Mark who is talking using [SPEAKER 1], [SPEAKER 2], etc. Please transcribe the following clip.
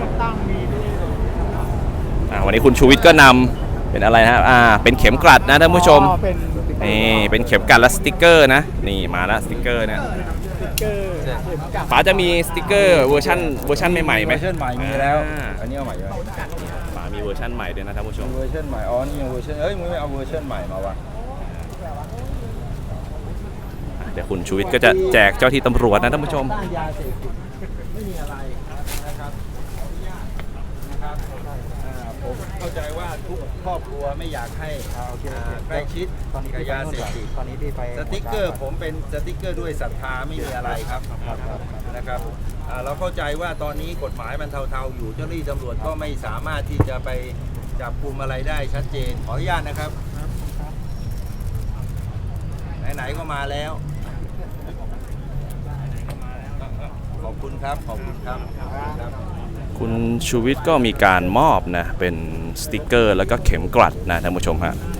[SPEAKER 1] ตั้งมีด้วย
[SPEAKER 2] วันนี้คุณชูวิทย์ก็นำเป็นอะไรนะเป็นเข็มกลัดนะท่านผู้ชมนี่เป็นเข็มกลัดและสติกเกอร์นะนี่มาแล้วสติกเกอร์เนี่ย
[SPEAKER 1] สติ๊กเกอร์เข็มกลัด
[SPEAKER 2] ป๋าจะมีสติกเกอร์เวอร์ชันใหม่ๆไหม
[SPEAKER 3] เวอร์ชันใหม่มีแล้ว อันนี้เอาใหม่ไหม
[SPEAKER 2] ป๋ามีเวอร์ชันใหม่ด้วยนะท่านผู้ชม
[SPEAKER 3] เวอร์ชันใหม่อ๋อนี่เวอร์ชันมึงไม่เอาเวอร์ชันใหม่มาวะ
[SPEAKER 2] เดี๋ยวคุณชูวิทย์ก็จะแจกเจ้าที่ตำรวจนะท่านผู้ชม
[SPEAKER 1] ต้านยาเสพติดไม่มีอะไรนะครับ
[SPEAKER 3] ผมเข้าใจว่าทุกครอบครัวไม่อยากให้ใกล้ชิดกับยาเสพติด
[SPEAKER 1] ตอนนี้ที่ไป
[SPEAKER 3] สติ๊กเกอร์ผมเป็นสติ๊กเกอร์ด้วยศรัทธาไม่มีอะไรครับนะครับเราเข้าใจว่าตอนนี้กฎหมายมันเทาๆอยู่เจ้าหน้าที่ตำรวจก็ไม่สามารถที่จะไปจับกุมอะไรได้ชัดเจนขออนุญาตนะครับไหนๆก็มาแล้วขอบคุณครับขอบคุณครับ
[SPEAKER 2] คุณชูวิทย์ก็มีการมอบนะเป็นสติกเกอร์แล้วก็เข็มกลัดนะท่านผู้ชมฮะ